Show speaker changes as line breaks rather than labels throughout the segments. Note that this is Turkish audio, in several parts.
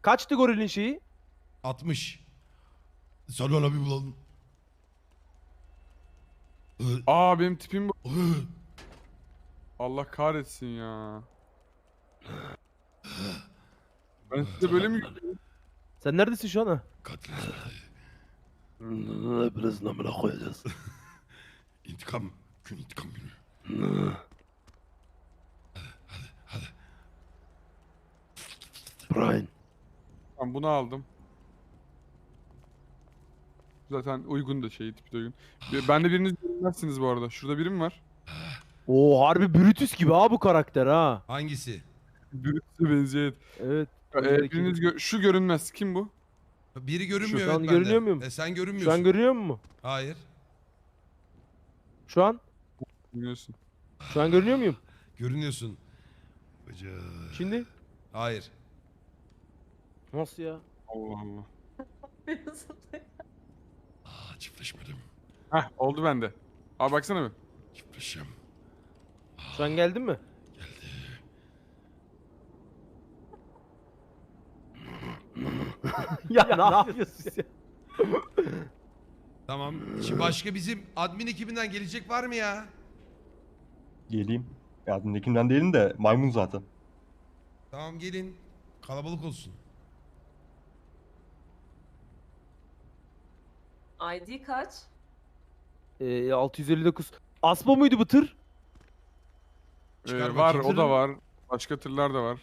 Kaçtı gorilin şeyi?
60. Sen ona bir bulalım.
Aa benim tipim bu. Allah kahretsin ya. Ben size böyle mi görüyorum?
Sen neredesin şu an ha?
Katil.
Birazını amına koyacağız.
İntikam. Gün intikam günü.
Brian.
Ben bunu aldım. Zaten uygun da şey tipi de uygun. Ben de biriniz görünmezsiniz bu arada. Şurada birim var.
Oo harbi Brutus gibi ha bu karakter ha.
Hangisi?
Birisi benziyor.
Evet.
Biriniz şu görünmez. Kim bu?
Biri görünmüyor
Şu an
evet
görünüyor
bende.
muyum?
Sen
Şu
görünmüyorsun.
an görünüyor mu?
Hayır.
Şu an?
Bilmiyorsun.
Şu an görünüyor muyum?
Görünüyorsun. Bıcı.
Şimdi?
Hayır.
Nasıl ya?
Allah Allah.
Çiftleşmedim.
Heh oldu bende. Abi baksana bir.
Çiftleşeceğim.
Şu an geldin mi? ya ne yapıyorsun ya?
Tamam. Şimdi başka bizim admin ekibinden gelecek var mı ya?
Geleyim. Yardımdakinden değilim de maymun zaten.
Tamam gelin. Kalabalık olsun.
ID kaç?
659. Aspo muydu bu tır?
Çıkar
Var
bakayım.
o da var. Başka tırlar da var.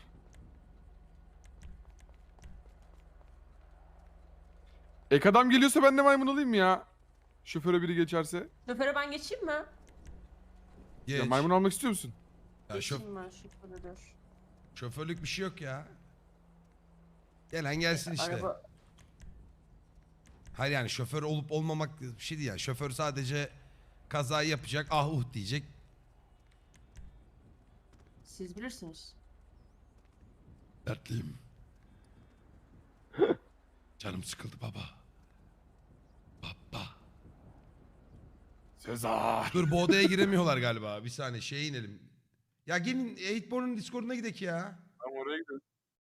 Ek adam geliyorsa ben de maymun olayım ya. Şoföre biri geçerse.
Şoföre ben geçeyim mi?
Geç.
Ya maymun almak istiyor musun?
Ya
Geçeyim ben şoföre dur.
şoförlük bir şey yok ya. Gelen gelsin işte.
Araba...
Hayır yani şoför olup olmamak bir şey değil yani. Şoför sadece kazayı yapacak, ah uh diyecek.
Siz bilirsiniz.
Dertliyim. Canım sıkıldı baba. Baba.
Sezar.
Dur bu odaya giremiyorlar galiba. Bir saniye şeye inelim. Ya gelin 8born'un Discord'una gidelim ya.
Tamam oraya gidelim.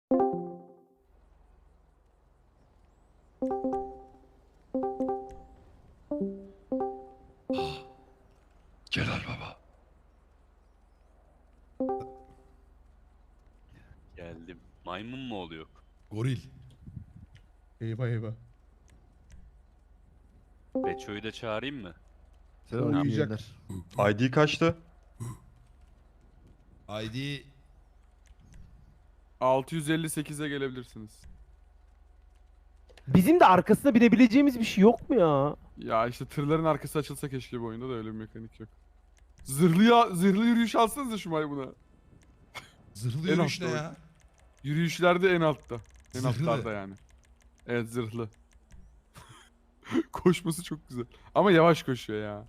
Celal baba.
Geldim. Maymun mu oluyor?
Goril.
Eyvah eyvah.
Beço'yu da çağırayım mı?
Uyuyacak. ID kaçtı?
ID
658'e gelebilirsiniz.
Bizim de arkasına binebileceğimiz bir şey yok mu ya?
Ya işte tırların arkası açılsa keşke bu oyunda da öyle bir mekanik yok. Zırhlı yürüyüş alsanıza şu maymuna.
zırhlı
En
yürüyüş ne
altta
ya?
Yürüyüşlerde en altta. En
Zırhlı.
altlarda yani. Evet zırhlı. Koşması çok güzel. Ama yavaş koşuyor ya.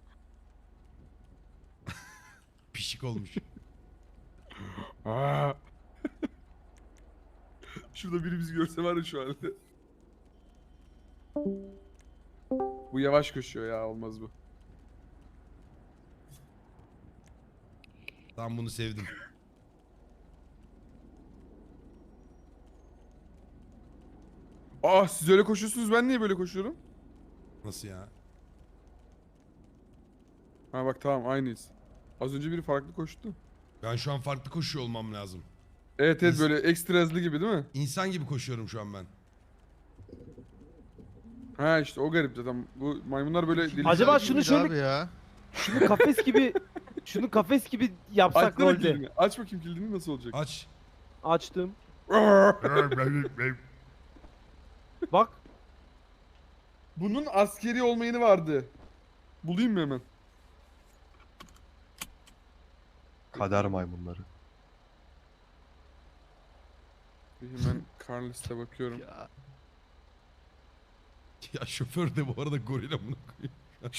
Pişik olmuş.
Aa. Şurada biri bizi görse var ya şu halde. Bu yavaş koşuyor ya olmaz bu.
Tam bunu sevdim.
Aa siz öyle koşuyorsunuz ben niye böyle koşuyorum?
Nasıl ya?
Ha bak tamam aynıyız. Az önce biri farklı koştu.
Ben şu an farklı koşuyor olmam lazım.
Evet evet
Biz-
böyle ekstra hızlı gibi değil mi?
İnsan gibi koşuyorum şu an ben.
Ha işte o garip zaten. Bu maymunlar böyle deli.
Acaba şunu şöyle
Abi ya.
şunu kafes gibi yapsak
Açsana
rolde.
kilidini. Aç bakayım kilidini nasıl olacak?
Aç.
Açtım. Bak.
Bunun askeri olmayanı vardı. Bulayım mı hemen?
Kader maymunları.
Bir hemen Carlos'ta bakıyorum.
Ya şoför de bu arada goril amına koyayım.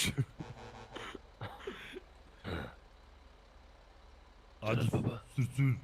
Hadi baba. Sür sür.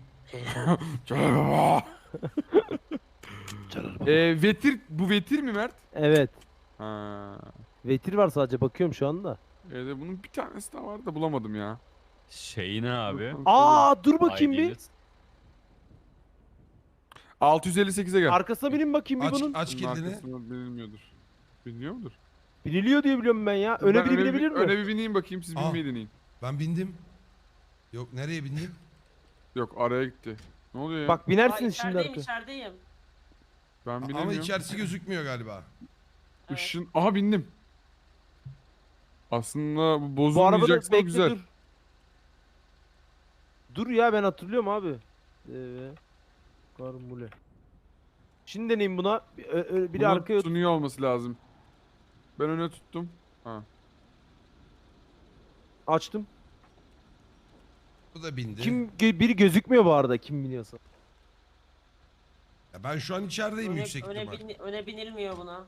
Vetir, bu Vetir mi Mert?
Evet.
Ha.
Vetir var sadece bakıyorum şu anda.
Evet bunun bir tanesi daha vardı da bulamadım ya.
Şey ne abi?
Aa dur bakayım bir.
ID'niz.
658'e gel.
Arkasına binin bakayım bir
Aç,
bunun.
aç
Bunun
kilidini.
arkasında bilinmiyordur. Biliniyor mudur?
Biniliyor diye biliyorum ben ya. Öne
Ben
biri binebilir mi?
Öne bir bineyim bakayım, siz
Aa.
binmeyi deneyin.
Ben bindim. Yok nereye bindim?
Yok, araya gitti. Ne oluyor ya?
Bak
Aa,
binersiniz şimdi
içerideyim
arkaya.
içerideyim.
Ben
Ama
binemiyorum.
içerisi gözükmüyor galiba.
Evet.
Işın... Aha bindim. Aslında bu
Bu arabada
bozulmayacaksa
bekle
güzel.
dur. Dur ya ben hatırlıyorum abi. Karmule. Şimdi deneyim buna. Biri
Bunun
arkaya otur.
tutunuyor olması lazım. Ben öne tuttum. Ha.
Açtım.
Bu da bindi.
Biri gözükmüyor bu arada kim biniyorsa.
Ya ben şu an içerideyim yüksek ihtimal.
Öne binilmiyor buna.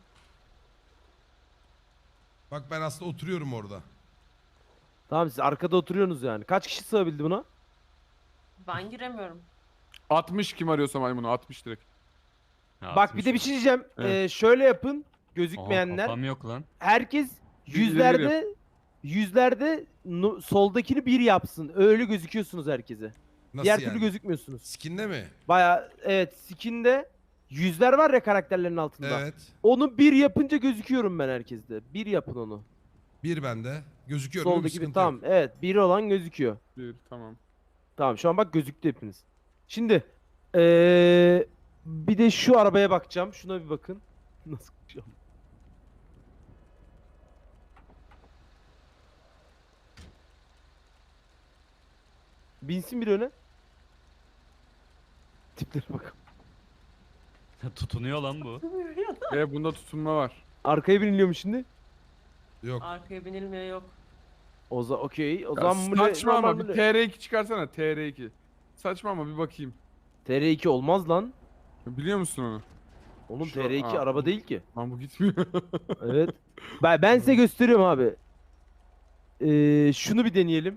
Bak ben aslında oturuyorum orada.
Tamam siz arkada oturuyorsunuz yani. Kaç kişi sığabildi buna?
Ben giremiyorum.
60 kim arıyorsa maymunu 60 direkt.
Bak bir de bir şey diyeceğim.
Evet.
Şöyle yapın.
Aha,
Gözükmeyenler.
kafam yok lan.
Herkes
Bir ileri
yüzlerde soldakini bir yapsın. Öyle gözüküyorsunuz herkese.
Nasıl
Diğer
yani?
türlü gözükmüyorsunuz.
Skin'de mi?
Baya evet skinde yüzler var ya karakterlerin altında.
Evet.
Onu bir yapınca gözüküyorum ben herkeste. Bir yapın onu.
Bir bende. Gözüküyor değil mi? Bir
Soldaki bir
sıkıntı
tamam
yok.
evet bir olan gözüküyor.
Bir tamam.
Tamam şu an bak gözüktü hepiniz. Şimdi bir de şu arabaya bakacağım. Şuna bir bakın. Nasıl bakacağım? Binsin bir öne. Tiplere bak.
Tutunuyor lan bu.
Bunda tutunma var.
Arkaya biniliyor şimdi?
Yok.
Arkaya binilmiyor yok.
Okey. O
Ya
zaman
saçma ama bir
normal
TR2 çıkarsana TR2. Saçma ama bir bakayım.
TR2 olmaz lan.
Biliyor musun onu?
Oğlum
Şu-
TR2
Aa,
araba değil ki.
Lan bu gitmiyor.
Evet. Ben size gösteriyorum abi. Şunu bir deneyelim.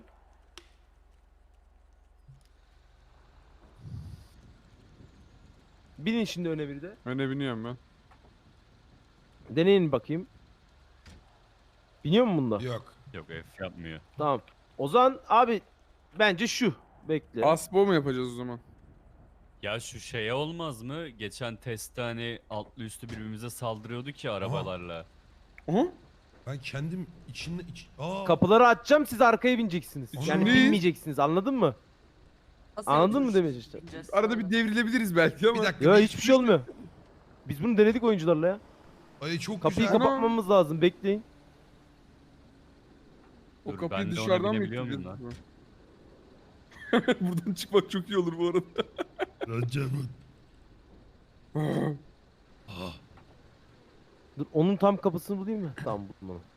Binin şimdi öne bir de.
Öne biniyorum ben.
Deneyin bakayım. Biniyor mu bunda?
Yok.
Yok F yapmıyor.
Tamam. O zaman abi bence şu. Bekle.
Asbo mu yapacağız o zaman?
Ya şu şeye olmaz mı? Geçen testte hani altlı üstü birbirimize saldırıyorduk ya arabalarla.
Aha.
Ben kendim içinde... Aa.
Kapıları açacağım siz arkaya bineceksiniz. Yani
Şimdi-
binmeyeceksiniz anladın mı?
Nasıl
Anladın mı
yapıyoruz?
demek işte?
Bineceğiz
Arada
sonra.
bir devrilebiliriz belki ama.
Bir dakika.
Ya hiçbir şey olmuyor. Biz bunu denedik oyuncularla ya.
Ay çok
Kapıyı
güzel.
kapatmamız lazım bekleyin.
O
Dur,
kapıyı
ben de ona
dışarıdan mı
binebiliyor muyum
yükleyeceğiz? Buradan çıkmak çok iyi olur bu arada.
Rancamın. Aa.
Dur onun tam kapısını bulayım mı? Tamam buldum onu.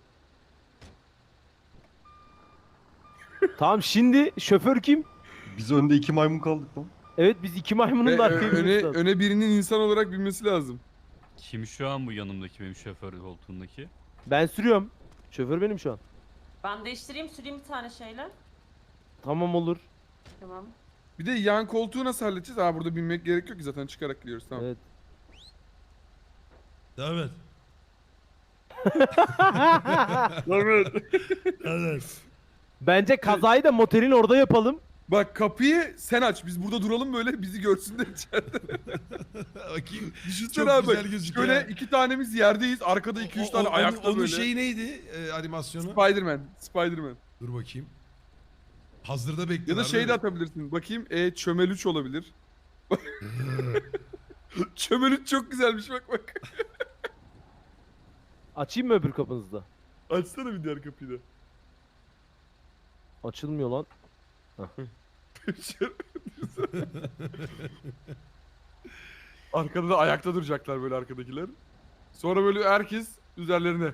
Tamam şimdi şoför kim?
Biz önde 2 maymun kaldık lan.
Evet biz iki maymunun da arkaya
öne,
binmesi lazım.
öne birinin insan olarak binmesi lazım.
Kim şu an bu yanımdaki benim şoför koltuğundaki?
Ben sürüyorum. Şoför benim şu an.
Ben değiştireyim süreyim bir tane şeyle.
Tamam olur.
Tamam.
Bir de yan koltuğu nasıl halledeceğiz? Aa burada binmek gerek yok ki zaten çıkarak gidiyoruz tamam.
Evet.
Evet. Evet.
Bence kazayı da motelin orada yapalım.
Bak kapıyı sen aç. Biz burada duralım böyle bizi görsünler içeride.
Bakayım.
Düşünsene
Çok
abi.
güzel
Bak,
gözüküyor.
şöyle 2 tanemiz yerdeyiz. Arkada 2-3 tane ayakta
onun
böyle.
şeyi neydi animasyonu?
Spider-Man.
Dur bakayım. Hazırda
Ya
bekliyorlar.
da şey de
değil mi?
atabilirsin. Bakayım çömelüç olabilir. Çömelüç çok güzelmiş bak bak.
Açayım mı öbür kapınızı da?
Açsana bir diğer kapıyı da.
Açılmıyor lan.
Arkada da ayakta duracaklar böyle arkadakiler. Sonra böyle herkes üzerlerine.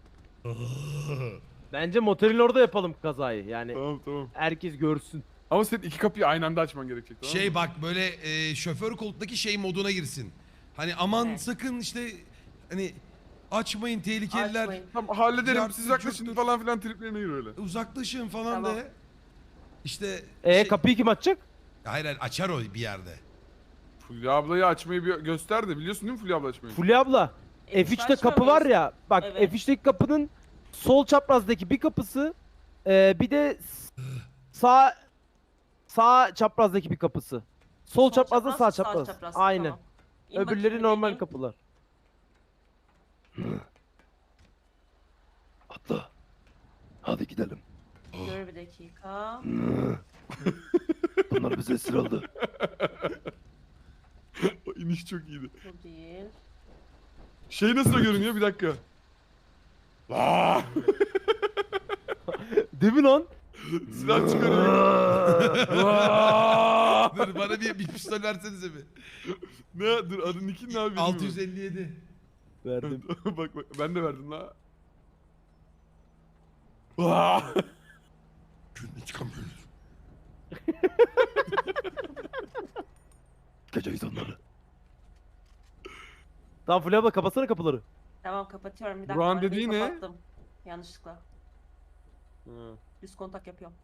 Bence motelin orada yapalım kazayı. Yani
Tamam tamam.
herkes görsün.
Ama senin 2 kapıyı aynı anda açman gerekecek tamam
Şey
mı?
bak böyle şoför koltuktaki şey moduna girsin. Hani aman
Evet.
sakın işte hani açmayın tehlikeliler.
Açmayın.
Tamam hallederim
Yardım,
siz yaklaşın
cırttır.
falan filan triplerine gir öyle.
Uzaklaşın falan
Tamam.
de. İşte şey-
Kapıyı kim açacak?
Hayır hayır açar o bir yerde.
Fulya ablayı açmayı bir göster de biliyorsun değil mi Fulya abla açmayı?
Fulya abla. F3'te kapı var ya. Bak
Evet.
F3'teki kapının sol çaprazdaki bir kapısı. Bir de sağ çaprazdaki bir kapısı. Sol çaprazda sağ çapraz. Aynen.
Tamam. İn
Öbürleri
bakayım,
normal
deneyeyim.
kapılar. Atla. Hadi gidelim.
Dur bir dakika.
Bunlar bize esir aldı.
O iniş çok iyiydi.
Bu değil.
Şey nasıl görünüyor bir dakika. Aa!
Değil mi lan?
Silah çıkarıyor.
Dur bana bir pistol versenize bir.
Ne? Dur adın Nick'in ne abi?
657.
Verdim.
Bak ben de verdim la. Aa!
Günde çıkamıyoruz.
Kaçacağız onları. Tamam Fulya abla kapatsana kapıları.
Tamam kapatıyorum bir dakika.
Burak'ın
arabayı
dediği ne?
kapattım. Yanlışlıkla. Düz kontak yapıyorum.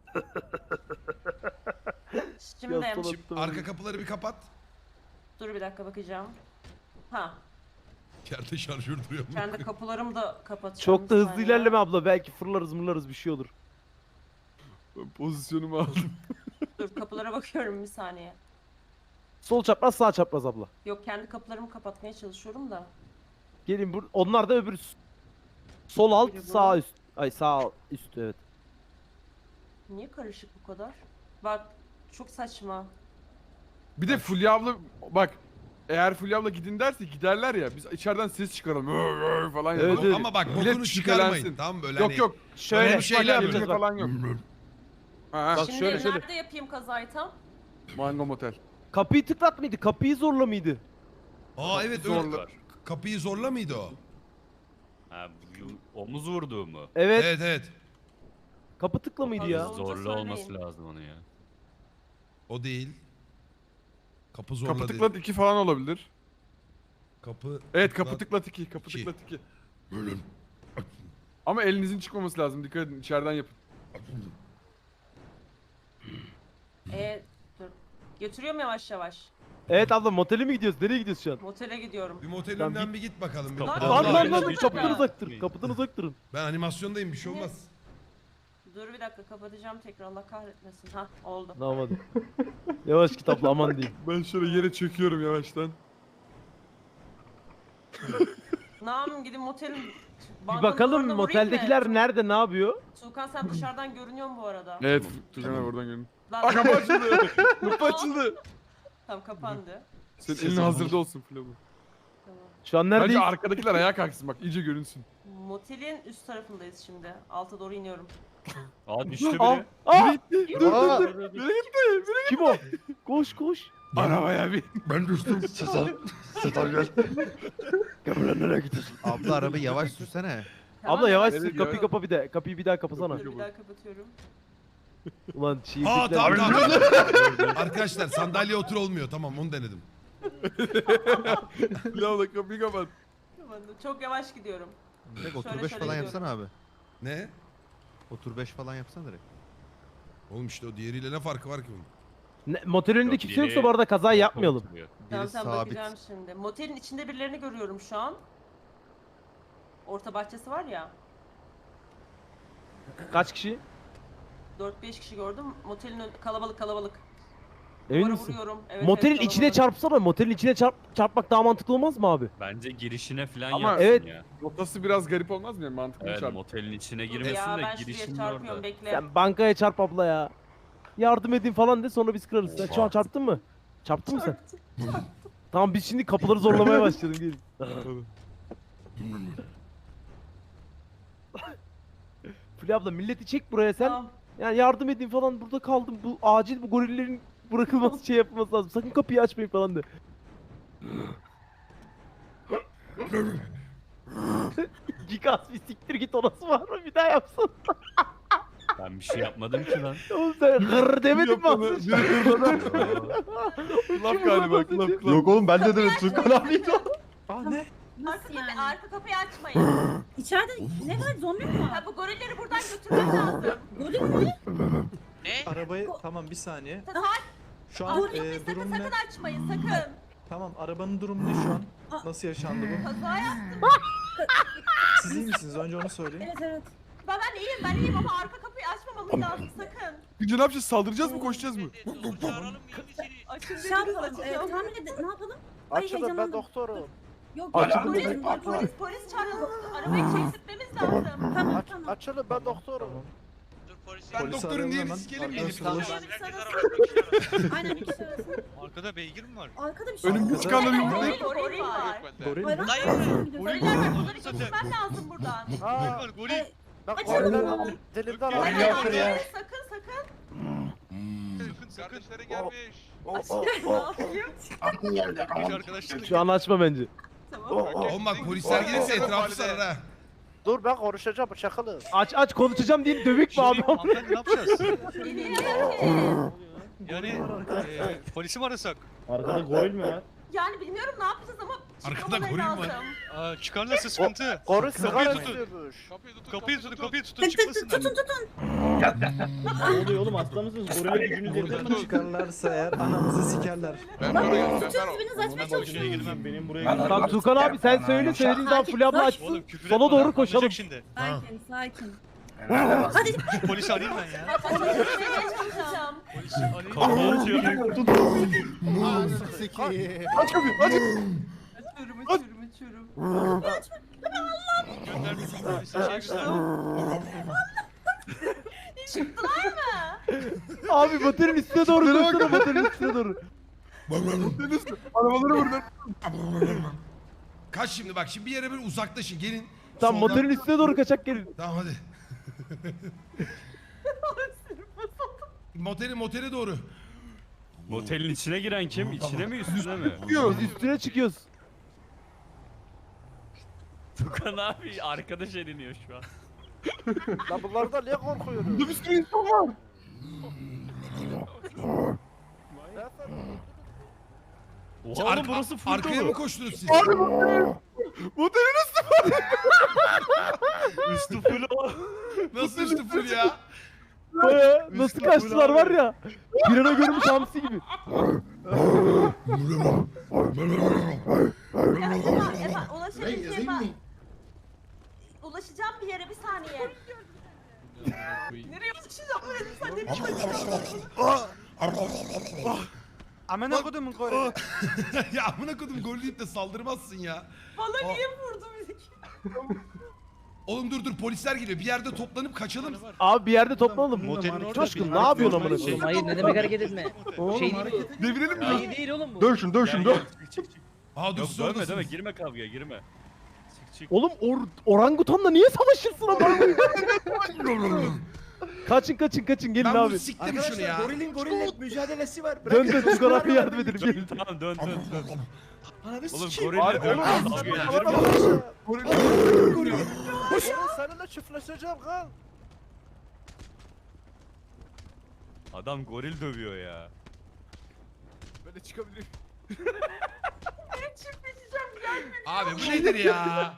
Şimdi
Yaz sola tuttum.
Arka kapıları bir kapat.
dur bir dakika bakacağım. Ha,
Yerde şarjör duruyor.
kendi kapılarımı da kapatacağım.
Çok da
bir
hızlı
saniye.
ilerleme abla. Belki fırlarız mırlarız bir şey olur.
Ben pozisyonumu aldım.
Dur kapılara bakıyorum bir saniye.
Sol çapraz sağ çapraz abla.
Yok kendi kapılarımı kapatmaya çalışıyorum da.
Gelin onlar da öbür sol alt
Biri bu.
sağ üst. Ay sağ üst evet.
Niye karışık bu kadar? Bak çok saçma.
Bir de Fulya abla bak eğer Fulya abla gidin derse giderler ya biz içeriden ses çıkaralım falan
Evet,
yapalım.
evet.
Ama bak
Millet
bokunu çıkarmayın.
şüphelensin.
Tamam mı? Böyle
Yok
hani...
yok.
Şöyle
Öyle bir şeyler
şeyler
yapacağız
yapacağız bak.
falan yok. Ha,
Bak
Şimdi
şöyle.
nerede yapayım kazayı tam?
Mango Motel.
Kapıyı tıklat mıydı? Kapıyı zorla mıydı?
Aa evet
Zorla.
öyle. Kapıyı zorla mıydı o?
Ha, omuz vurduğu mu?
Evet.
Evet evet.
Kapı tıkla mıydı ya?
Olunca
Zorlu
söyleyin.
olması lazım onu ya.
O değil. Kapı zorla
Kapı
değil.
tıklat 2 falan olabilir.
Kapı...
Evet kapı tıklat 2. Kapı
İki.
tıklat 2.
Böyle.
Ama elinizin çıkmaması lazım. Dikkat edin içeriden yapın.
Dur. Götürüyorum yavaş yavaş.
Evet abla motele mi gidiyoruz? Nereye gidiyoruz şu an?
Motele gidiyorum.
Bir motelin
Tamam,
önünden bir git bakalım. Bir.
Lan,
Ben-
Lan lan
Öyle
lan
bir
kapıdan
şey
uzak durun.
mi?
Kapıdan uzak durun.
Ben animasyondayım bir şey olmaz.
Dur bir dakika kapatacağım tekrar Allah kahretmesin. Ha oldu.
Tamam hadi. Yavaş git abla aman diyeyim.
Ben şöyle yere çöküyorum yavaştan.
Ne yapayım gidin motelin...
Bir
bankanın
bakalım
duvarına vurayım mı?
moteldekiler nerede ne yapıyor?
Tuğkan sen dışarıdan görünüyorsun bu arada.
Evet Tugan abi oradan görün.
Lan,
Aa kapı açıldı. Kapı açıldı.
Tamam kapandı.
Senin elin hazırda olsun Fulya abla.
Tamam.
Şu an
Bence
neredeyiz?
arkadakiler ayağa kalksın bak iyice görünsün.
Motelin üst tarafındayız şimdi. Alta doğru iniyorum.
Aa düştü
Aa,
biri.
aa,
Aa,
kim o? Koş koş.
Arabaya bir.
Ben düştüm.
Setar gel.
Gel nereye gidiyorsun?
Abla arabayı yavaş sürsene.
Tamam,
Abla yavaş
Evet
sür
ya.
kapıyı kapa bir de. Kapıyı bir daha kapasana.
Dur bir daha kapatıyorum.
Ulan çiğ
Aa
ettikler-
tamam. Arkadaşlar sandalye otur olmuyor. Tamam onu denedim.
Fulya abla kapıyı kapat.
Kapandı. Çok yavaş gidiyorum.
Direkt otur
Şöyle
5
şöyle
falan
gidiyorum.
yapsana abi.
Ne?
Otur 5 falan yapsana direkt.
Oğlum işte o diğeriyle ne farkı var ki bunun?
Motel önünde
Yok,
kimse yoksa
biri
bu arada kaza yapmayalım.
oturuyor.
Tamam
Biri
tamam
sabit.
bakacağım şimdi. Motelin içinde birilerini görüyorum şu an. Orta bahçesi var ya.
Kaç kişi?
4-5 kişi gördüm. Motelin kalabalık kalabalık.
Emin
Duvara
misin?
vuruyorum. Evet,
Motelin
evet,
içine
kalabalık.
çarpsana. Motelin içine çarpmak daha mantıklı olmaz mı abi?
Bence girişine falan
Ama
yapsın
evet.
ya.
Rotası biraz garip olmaz mı? Yani mantıklı
Evet
çarp.
motelin içine
Dur
girmesin
ya
de
ben şuraya
girişinin
çarpıyorum
orada.
bekle.
Sen bankaya çarp abla ya. Yardım edin falan de sonra biz kırarız. Sen şu an çarptın mı? Çarptın mı sen? Tamam biz şimdi kapıları zorlamaya başlayalım gelin. Fulya abla milleti çek buraya sen.
Tamam.
Yani yardım edin falan burada kaldım. Bu acil bu gorillerin bırakılması şey yapılması lazım. Sakın kapıyı açmayın falan de. Gigas bir siktir git orası var mı? Bir daha yapsana.
Ben bir şey yapmadım ki lan.
Oğlum sen hırr demedin mi
Yapanı-
az önce?
biri hırladı. Laf galiba klap klap.
Yok oğlum bence de Tukan abi.
Aa ne?
Arka, arka kapıyı açmayın.
İçeride ne var? Zombi mi var?
Ha, bu gorilleri buradan götürmek lazım.
Goril mi?
Arabayı tamam bir saniye.
Hayır.
Şu an
Sakın
durum ne?
sakın açmayın sakın.
Tamam arabanın durumu ne şu an? Nasıl yaşandı bu?
Kaza yaptım.
Siz iyi misiniz? Önce onu söyleyin.
Evet evet.
Ben iyiyim ama arka kapıyı açmamamız lazım sakın.
Gece ne yapacağız? Saldıracağız mı? Koşacağız mı?
Açın
Şey
dediniz
yapalım.
açacağım.
Tahmin edin. Ne yapalım?
Açılın ben
heyecanlandım.
doktorum.
Yok
Açılın.
Polis çağıralım. Arabayı çektirmemiz lazım.
Tamam tamam.
Açılın ben doktorum.
Ben
Polisi
doktorum diye
arayalım
bir
hemen.
sikelim mi?
Aynen bir kişi arasın.
Arkada beygir mi var?
Arkada bir şey
Önümde
var.
çıkanları
Goril
yumruklayın.
var.
Goril
Hayır,
mi?
hayır.
Goriller var. Bunları getirmen lazım buradan.
Aa,
Var goril.
Ay,
bak
Açalım.
goriller dilimden
Yok,
alıyor.
yok ya.
Sakın.
Sakın.
Kardeşlerin gelmiş.
Ne yapayım?
Arkadaşlar.
Şu an açma bence.
Tamam.
Oğlum bak polisler gelirse etrafı sarar ha.
Dur ben konuşacağım çakılın.
Aç konuşacağım diye dövük mü abi?
Hanımefendi ne yapacağız?
Bilmiyorum ki.
Yani polisi mi arasak?
Arkada goril mi var?
Yani bilmiyorum ne yapacağız ama
Arkada
çıkmamaları
goril var.
lazım.
Çıkarlarsa sıkıntı.
Goril
Kapıyı
sigara
tutun.
istiyormuş.
Kapıyı tutun
Tık tık tık
çıkmasınlar.
tutun.
Ne oluyor oğlum hasta mısınız? Gorile gücünüz yeter mi?
Çıkarlarsa eğer anamızı sikerler.
Tutuyorsunuz birbirinizi açmaya çalışıyorsunuz.
Benim buraya
Tamam Tukan abi sen söyle söylediğin zaman Fulya abla açsın.
Oğlum küfür
Sola
etme
doğru
lan,
koşalım.
anlayacak şimdi.
Sakin. Hadi.
Şu polisi arayayım ben ya.
Çalışmaya çalışacağım.
Polisi arayayım.
Kapıyı açıyorum.
Açıyorum.
Gönder bir polisi şey göster.
Çıktılar mı?
Abi motorun üstüne doğru koşsana motorun üstüne doğru.
Arabaları vurun.
Kaç şimdi bak şimdi bir yere böyle uzaklaşın gelin.
Tamam
Soldan-
motorun üstüne doğru kaçak gelin.
Tamam hadi. Motere doğru.
Motelin içine giren kim? İçine mi üstüne mi?
Biz üstüne çıkıyoruz.
Tukan abi arkadaş ediniyor şu an.
Lan bunlardan niye korkuyorsun?
Burada bir sürü insan var.
Oha oğlum burası full
Arkaya mı
dolu.
koştunuz siz?
Motelin
Üstü full o.
Nasıl üstü full ya?
Baya nasıl kaçtılar var ya. Bir ana görmüş hamsi gibi.
Efa ulaşabileceğim. Ulaşacağım bir yere bir saniye. Nereye ulaşacağım? Sen ne biçim
Amına kodumun gorili.
Ya amına kodum gol deyip de saldırmazsın ya.
Bana niye vurdu bizi?
Oğlum dur polisler geliyor. Bir yerde toplanıp kaçalım.
Abi bir yerde toplanalım.
Motelin orada
Coşkun
bir-
ne yapıyorsun amına koyayım?
Hayır ne demek hareket etme. Şey değil.
Devirelim mi?
İyi değil oğlum bu.
Döv şunu döv şunu döv.
Aa dur
Yok
siz
dövme
oradasınız.
dövme girme kavgaya girme. Çık.
Oğlum orangutanla niye savaşırsın amına koyayım? Kaçın gelin
Ben
abi.
bunu siktim şunu ya.
gorille mücadelesi var.
Dön Tukan abi yardım edelim gelin.
Tamam dön. Oğlum
Abi,
gorille
oğlum,
dövme kavga edilir mi?
Seninle çiftleşeceğim kal.
Adam goril dövüyor ya.
Böyle çıkabilirim.
Çiftleşeceğim gelme.
Abi bu nedir ya?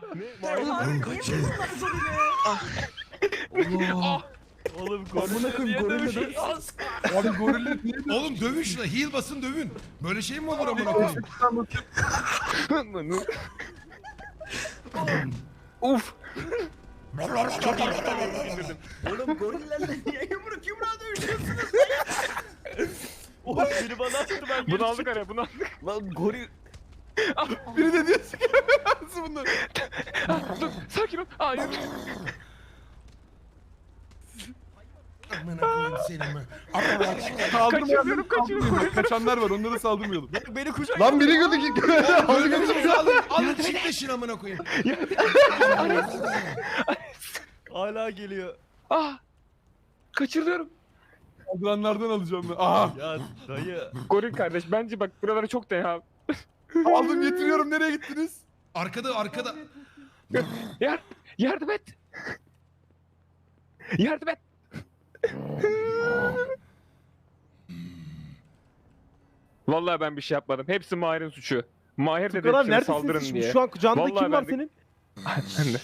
Oğlum gorille niye dövüyorsun?
Abi gorille niye
Oğlum dövün şuna. Heal basın dövün. Böyle şey mi olur amına koyayım?
Uf.
Oğlum gorillerle niye yumruğa dövüşüyorsunuz?
Oğlum biri bana attı ben
Bunu aldık araya bunu aldık.
Lan goril.
Biri de diyor nasıl bunlar? Dur sakin ol. Hayır.
Amına koyayım seni mi?
Kaçırmıyorum. Kaçanlar var onlara saldırmayalım.
Beni kucak.
Lan biri gördü ki.
Öldürdünüz alın çiftleşin amına koyayım.
Hala geliyor.
Ah. Kaçırıyorum. Saldıranlardan alacağım ben. Aha.
Ya dayı.
Goril kardeş bence bak buralara çok da ya. Aldım getiriyorum nereye gittiniz?
Arkada.
Yardım et. Yardım et. Vallahi ben bir şey yapmadım. Hepsi Mahir'in suçu. Mahir dedi
Tukan abi
hepsine saldırın
neredesin
diye.
şimdi? Şu an kucağında
Vallahi
kim var
ben de-
senin?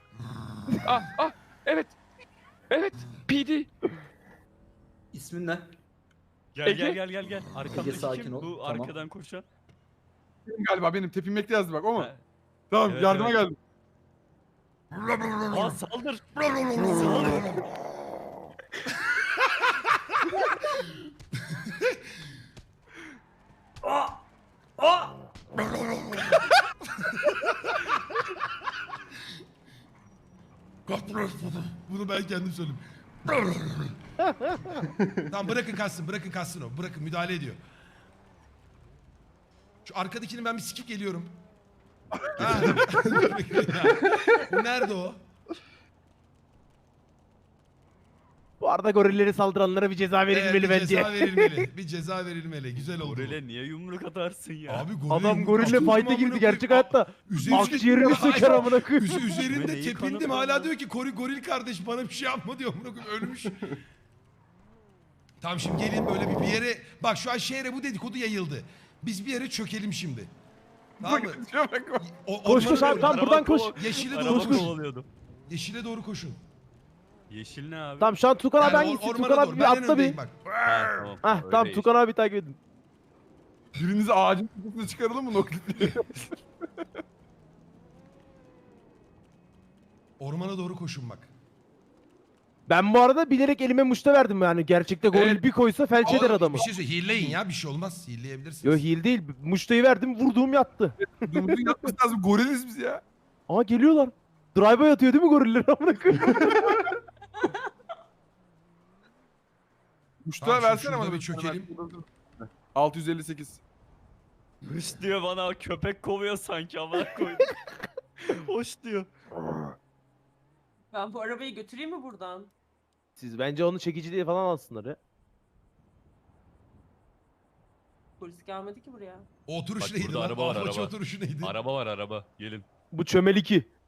Evet. Evet. PD.
İsmin ne?
Gel
Ege.
gel. Arkamdaki
sakin
kim?
ol,
Bu
tamam.
arkadan koşan.
Galiba benim tepinmekte yazdı bak o mu?
Ha,
Tamam
Evet,
yardıma
evet.
geldim.
Aa saldır.
Bunu ben kendim söyleyeyim. Tamam bırakın kaçsın o. Bırakın müdahale ediyor. Şu arkadakini ben bir sikip geliyorum. Ha. Nerede o?
Bu arada gorilleri saldıranlara bir ceza verilmeli
Bir
bence.
ceza verilmeli. Bir ceza verilmeli. Güzel oldu.
Gorile niye yumruk atarsın ya?
Abi goril
Adam
yumruk
gorille
attım
fight'e
amına
girdi
koyayım.
gerçek hayatta.
Üzerinde-
Akciğerini söker amına koyayım.
Üzerinde
Neyi
tepindim
kanıtladın
hala
lan?
diyor ki goril kardeş bana bir şey yapma diyor amına koyayım ölmüş. Tamam şimdi gelin böyle bir yere bak şu an şehre bu dedikodu yayıldı. Biz bir yere çökelim şimdi. Tamam mı?
Koş koş abi tam buradan koş.
Yeşile
Araba
doğru koş.
kovalıyordu.
Yeşile doğru koşun.
Yeşil ne abi?
Tamam şu an Tukan abi
Yani
hangisi?
ormana
Tukan
doğru.
abi
Ben en
bir atla
öndeyim
bir.
bak.
Ha, tamam.
Hah
öyle
tamam
yeşil.
Tukan abi takip edin.
Biriniz ağacın tepesine çıkaralım mı noklitliği?
Ormana doğru koşun bak.
Ben bu arada bilerek elime muşta verdim yani. Gerçekte goril
Evet.
bir koysa felç eder
Ama
adamı.
Bir şey söyle hilleyin ya bir şey olmaz. Hilleyebilirsiniz.
Yo heal değil. Muştayı verdim vurduğum yattı.
Dumuzun yapması lazım. Goriliz biz ya.
Aa geliyorlar. Drive'a yatıyor değil mi goriller amına koyayım?
Muştağı
Tamam,
versene
şurada
bana.
bir çökelim.
658.
Hış diyor bana köpek kovuyor sanki amına koydum. Hoş diyor.
Ben bu arabayı götüreyim mi buradan?
Siz bence onu çekici diye falan alsınlar ya.
Polis gelmedi ki buraya.
O oturuş
Bak
neydi
burada
lan?
araba var,
Apache
araba.
oturuşu neydi?
Araba var araba. Gelin.
Bu çömel 2.